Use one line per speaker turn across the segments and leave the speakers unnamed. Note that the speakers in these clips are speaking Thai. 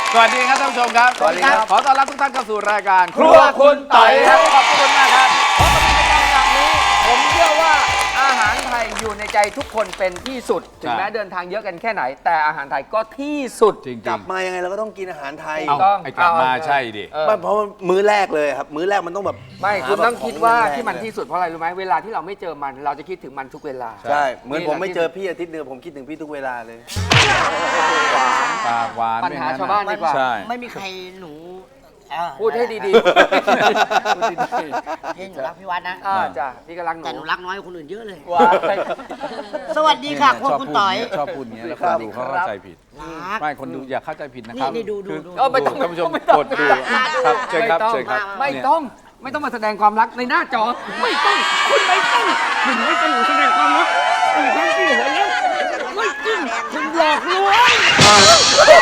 สวัสดีครับท่านผู้ชมครับ
สวัสดีครับ
ขอต้อนรับทุกท่านเข้าสู่รายการ
ครัวคุณไต่ครับ
ขอบคุณมากครับเพราะในรายการแบบนี้ผมเชื่อว่าอาหารไทยอยู่ในใจทุกคนเป็นที่สุดถึงแม้เดินทางเยอะกันแค่ไหน แต่อาหารไทยก็ที่สุดจริง
กลับมายังไงเราก็ต้องกินอาหารไทย
ไอ้กลับมาใช่ดิ
ไม่เพราะว่ามื้อแรกเลยครับมื้อแรกมันต้องแบบ
ไม่คุณต้องคิดว่า
หแบบ
ที่มันที่สุดเพราะอะไรรู้ไหมเวลาที่เราไม่เจอมันเราจะคิดถึงมันทุกเวลา
ใช่เหมือนผมไม่เจอพี่อาทิตย์เดียวผมคิดถึงพี่ทุกเวลาเลย
ปากหวาน
ปัญหาชาวบ้านดีกว่า
ใช่
ไม่มีใครหนู
พูดให้ดีๆพูดดี
พี่หนูรักพี่วัดนะ
ๆจ้ะพี่กำลังหนู
แต่หนูรักน้อยกว่าคนอื่นเยอะเลย
ว้าย
สวัสดีค่ะพวกคุณต่อย
ชอบพูดอย่างนี้แล้วคนดูเขาเข้าใจผิด
รัก
ไม่คนดูอย่าเข้าใจผิดนะครับ
นี่ดู
คือ
ดู
ไม่ต้อง
ท่านผู้ชม
ไม่ต้อง
กดดูครับเชิญครับเชิญครับ
ไม่ต้องไม่ต้องมาแสดงความรักในหน้าจอไม่ต้องคุณไม่ต้องคุณไม่ต้องแสดงความรักคุณทั้งที่หัวแล้วไม่จริงคุณหลอกลวง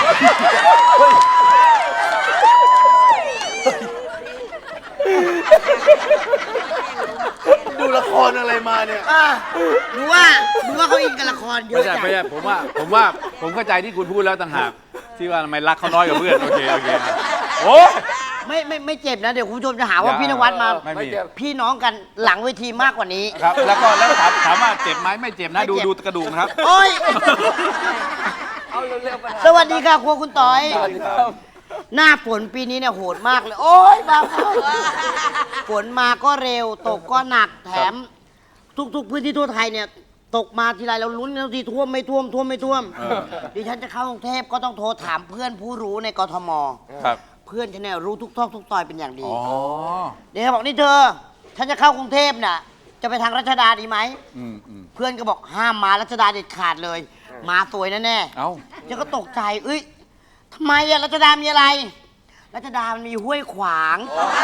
ดูละครอะไรมาเนี่ย
หนูว่าเขาอินกับละครเย
ไม่
อะ
ใช่
จัง
ไม่ใช่ผมเข้าใจที่คุณพูดแล้วต่างหากที่ว่าทำไมรักเขาน้อยกว่าเพื่อนโอเคนะโอ้
ไม่เจ็บนะเดี๋ยวคุณผู้ชมจะหาว่าพี่นวัดมา
ไม่มี
พี่น้องกันหลังเวทีมากกว่านี้
ครับแล้วถามว่าเจ็บไหมไม่เจ็บนะดูกระดูกนะครับ
โอ้ย
เอาเร็วๆไป
สวัสดีค่ะครัวคุณต่อย หน้าฝนปีนี้เนี่ยโหดมากเลย โอ๊ยบ้าฝนมาก็เร็วตกก็หนักแถม ทุกพื้นที่ทั่วไทยเนี่ยตกมาทีไรเราลุ้นกันทุกทีท่วมไม่ท่วมดิฉันจะเข้ากรุงเทพก็ต้องโทรถามเพื่อนผู้รู้ในกทม
ครับ
เพื่อนฉันเนี่ยรู้ทุกซอกทุกซอยเป็นอย่างดี
อ๋อ
เดี๋ยวบอกนี่เธอฉันจะเข้ากรุงเทพน่ะจะไปทางรัชดาดีไหม
อืม
เพื่อนก็บอกห้ามมารัชดาเด็ดขาดเลย มาสวยแน่
เอ้า
ฉันก็ตกใจเอ้ยทำไมอะรัชดามีอะไร รัชดามันมีห้วยขวาง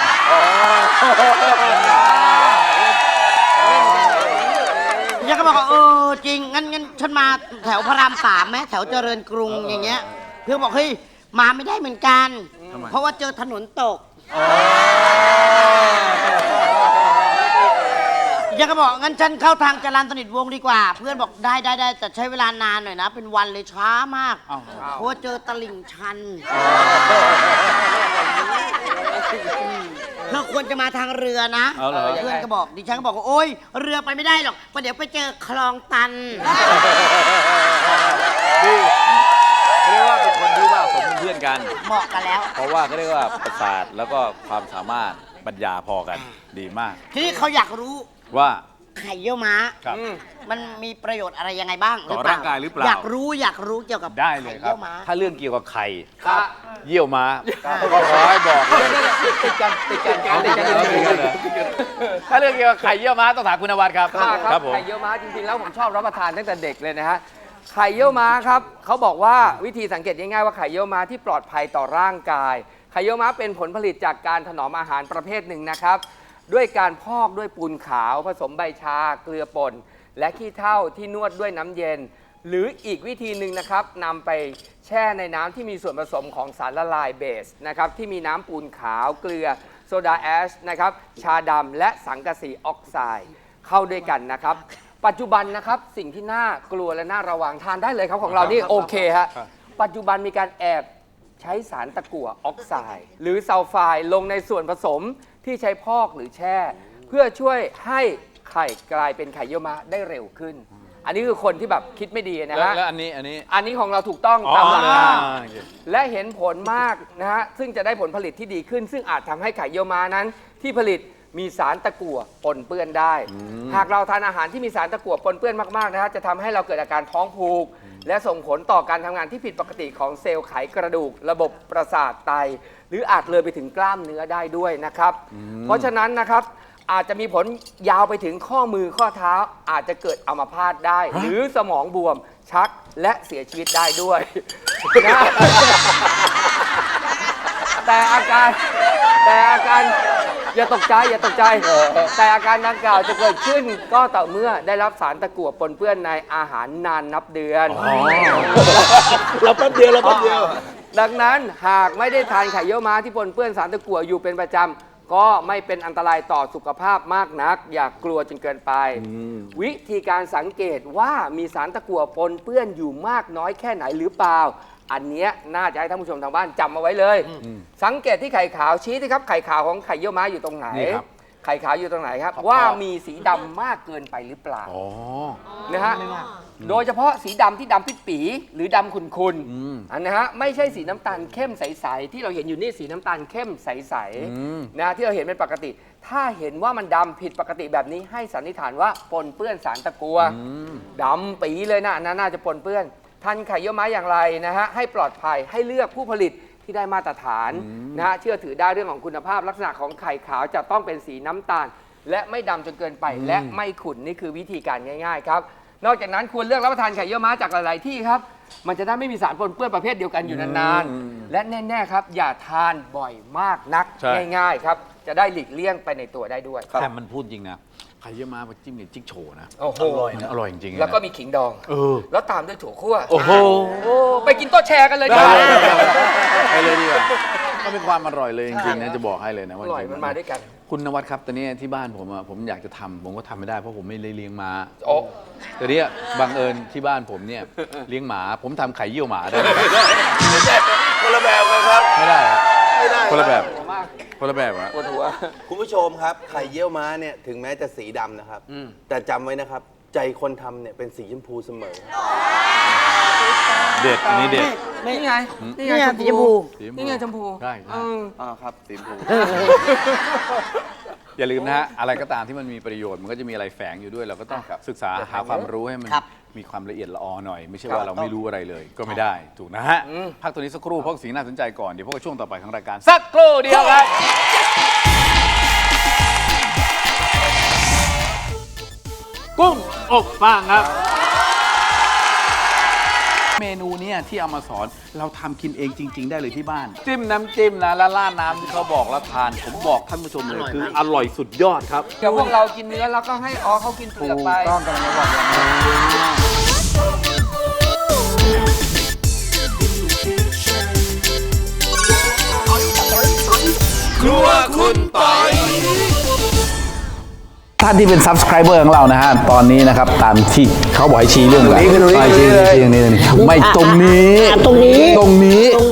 ฉันก็บอกว่าจริงงั้นฉันมาแถวพระราม3ไหมแถวเจริญกรุงอย่างเงี้ย เพื่อนบอกเฮ้ยมาไม่ได้เหมือนกัน เพราะว่าเจอถนนตกยังก็บอกงั้นฉันเข้าทางจรัญสนิทวงศ์ดีกว่า เพื่อนบอกได้แต่ใช้เวลานานหน่อยนะ เป็นวันเลยช้ามาก
อ้าว
เพราะว่าเจอตลิ่งชันเธอควรจะมาทางเรือนะ
เอาเหรอ
เพื่อนก็บอกดิฉันก็บอกว่าโอ๊ยเรือไปไม่ได้หรอกเพราะเดี๋ยวไปเจอคลองตัน
ดีเขาเรียกว่าเป็นคนที่ว่าผมเป็นเพื่อนกัน
เหมาะกันแล้ว
เพราะว่าเขาเรียกว่าประสาทแล้วก็ความสามารถปัญญาพอกันดีมาก
ทีนี้เขาอยากรู้
ว่า
ไข่เยี่ยวม้า
ครับ
มันมีประโยชน์อะไรยังไงบ้าง
ต่อร่างกายหรือเปล่า
อยากรู้เกี่ยวกับ
ได้เลยครับ
ไข่เยี่ยวม้า
ถ้าเรื่องเกี่ยวกับไข่
ครับ
เยี่ยวม้าก็ขอให้บอกเลย
ติดกัน
ถ้าเรื่องเกี่ยวกับไข่เยี่ยวม้าต้องถามคุณนวัดครับ
ครับ
ผม
ไข่เยี่ยวม้าจริงๆแล้วผมชอบรับประทานตั้งแต่เด็กเลยนะฮะไข่เยี่ยวม้าครับเขาบอกว่าวิธีสังเกตง่ายๆว่าไข่เยี่ยวม้าที่ปลอดภัยต่อร่างกายไข่เยี่ยวม้าเป็นผลผลิตจากการถนอมอาหารประเภทหนึ่งนะครับด้วยการพอกด้วยปูนขาวผสมใบชาเกลือป่นและขี้เถ้าที่นวดด้วยน้ำเย็น หรืออีกวิธีหนึ่งนะครับนำไปแช่ในน้ำที่มีส่วนผสมของสารละลายเบสนะครับที่มีน้ำปูนขาวเกลือโซดาแอชนะครับชาดำและสังกะสีออกไซด์เข้าด้วยกันนะครับ ปัจจุบันนะครับสิ่งที่น่ากลัวและน่าระวังทานได้เลยครับของเรานี่โอเคฮะปัจจุบันมีการแอบใช้สารตะกั่วออกไซด์หรือซัลไฟด์ลงในส่วนผสมที่ใช้พอกหรือแช่ เพื่อช่วยให้ไข่กลายเป็นไข่เยี่ยวม้าได้เร็วขึ้น อันนี้คือคนที่แบบคิดไม่ดีนะฮะ
แล้วอันนี้
อันนี้ของเราถูกต้องตามหลักการและเห็นผลมากนะฮะซึ่งจะได้ผลผลิตที่ดีขึ้น ซึ่งอาจทำให้ไข่เยี่ยวม้านั้นที่ผลิตมีสารตะกั่วปนเปื้อนได้ หากเราทานอาหารที่มีสารตะกั่วปนเปื้อนมากๆนะฮะจะทำให้เราเกิดอาการท้องผูก และส่งผลต่อการทำงานที่ผิดปกติของเซลล์ไขกระดูก ระบบประสาทไต หรืออาจเลยไปถึงกล้ามเนื้อได้ด้วยนะครับ เพราะฉะนั้นนะครับอาจจะมีผลยาวไปถึงข้อมือข้อเท้าอาจจะเกิดอัมพาตได้ หรือสมองบวมชักและเสียชีวิตได้ด้วยนะ แต่อาการอย่าตกใจแต่อาการดังกล่าวจะเกิดขึ้นก็ต่อเมื่อได้รับสารตะกั่วปนเปื้อนในอาหารนานนับเดือน
เราแป๊บเดียว ดังนั้นหากไม่ได้ทานไข่เยี่ยวม้าที่ปนเปื้อนสารตะกั่วอยู่เป็นประจำ
ก็ไม่เป็นอันตรายต่อสุขภาพมากนัก อย่ากลัวจนเกินไป วิธีการสังเกตว่ามีสารตะกั่วปนเปื้อนอยู่มากน้อยแค่ไหนหรือเปล่า อันเนี้ยน่าจะให้ท่านผู้ชมทางบ้านจำเอาไว้เลย สังเกตที่ไข่ขาวชี้สิครับไข่ขาวของไข่เยี่ยวม้าอยู่ตรงไหน
นี่ครับ
ไข่ขาวอยู่ตรงไหนครับ ว่ามีสีดำมากเกินไปหรือเปล่า
อ๋อ
นะฮะโดยเฉพาะสีดำที่ดำปิดปีหรือดำขุ่นๆอันนะฮะไม่ใช่สีน้ำตาลเข้มใสๆที่เราเห็นอยู่นี่สีน้ำตาลเข้มใสๆนะที่เราเห็นเป็นปกติ ถ้าเห็นว่ามันดำผิดปกติแบบนี้ให้สันนิษฐานว่าปนเปื้อนสารตะกั่วดำปีเลยนะอันนั้นน่าจะปนเปื้อนทันไข่เยี่ยวม้าอย่างไรนะฮะให้ปลอดภัยให้เลือกผู้ผลิตที่ได้มาตรฐานนะฮะเชื่อถือได้เรื่องของคุณภาพลักษณะของไข่ขาวจะต้องเป็นสีน้ำตาล และไม่ดำจนเกินไปและไม่ขุ่นนี่คือวิธีการง่ายๆครับนอกจากนั้นควรเลือกรับประทานไข่เยี่ยวม้าจากหลายๆที่ครับมันจะได้ไม่มีสารปนเปื้อนประเภทเดียวกันอยู่นานๆและแน่ๆครับอย่าทานบ่อยมากนัก
ใช่
ง่ายๆครับจะได้หลีกเลี่ยงไปในตัวได้ด้วย
แต่มันพูดจริงนะไข่เยี่ยวม้ามาจิ้มเนี่ยจิ๊กโฉนะ
โอ้โห
มันอร่อยจริงๆ
แล้วก็
นะ
มีขิงดอง
เออ
แล้วตามด้วยถั่วคั่ว
โอ้โห
โอ้ไปกินโต๊ะแชร์กันเลยจ้า
ไปเลยดีกว่าก็เป็นความอร่อยเลยจริงๆนะจะบอกให้เลยนะ
อ
ว่า
ร่อยมันมาด้วยกัน
คุณนวัดครับตอนนี้ที่บ้านผมอะผมอยากจะทำผมก็ทำไม่ได้เพราะผมไม่ได้เลี้ยงม้า
โอ้
แต่เนี้ยบังเอิญที่บ้านผมเนี่ยเลี้ยงหมาผมทำไข่เยี่ยวหมาได้ไหม
คนละแบบกันครับ
ไม่ได้อะ
ไม่ได้
คนละแบบ
หัวมาก
คนละแบบอะ
ปวดหัว
คุณผู้ชมครับ ไข่เยี่ยวม้าเนี่ยถึงแม้จะสีดำนะครับ แต่จำไว้นะครับ ใจคนทำเนี่ยเป็นสีชมพูเสมอ
เด็ดอันนี้เด็ด
นี่ไง
นี่ไงสีชมพู
นี่ไงชมพู
ใช่ใช่
ครับสีชมพู
อย่าลืมนะฮะอะไรก็ตามที่มันมีประโยชน์มันก็จะมีอะไรแฝงอยู่ด้วย เราก็ต้องศึกษาหาความรู้ให้มัน
ครับ
มีความละเอียดละออหน่อย ไม่ใช่ว่าเราไม่รู้อะไรเลย ก็ไม่ได้ถูกนะฮะพักตัวนี้สักครู่เพราะสิ่งน่าสนใจก่อนเดี๋ยวพบกับช่วงต่อไปของรายการสักครู่เดียวครับกุ้งอบฟางครับ เมนูเนี่ยที่เอามาสอนเราทำกินเองจริง ๆ ได้เลยที่บ้าน จิ้มน้ำจิ้มนะแล้วราดน้ำที่เขาบอกแล้วทาน ผมบอกท่านผู้ชมเลยคืออร่อยสุดยอดครับ
เดี๋ยวพวกเรากินเนื้อแล้วก็ให้อ๋อเขากินเปลือกไป
ต้องกำลังจะบอกอย่างนี้ครัวคุณปอย ท่านที่เป็น subscriber ของเรานะฮะ ตอนนี้นะครับ ตามที่เขาบอกให้ชี้เรื่องอะไร
ตรงนี้
ชี้ตรงนี้ไม่ตรงนี้
ตรงนี้
ตรงนี้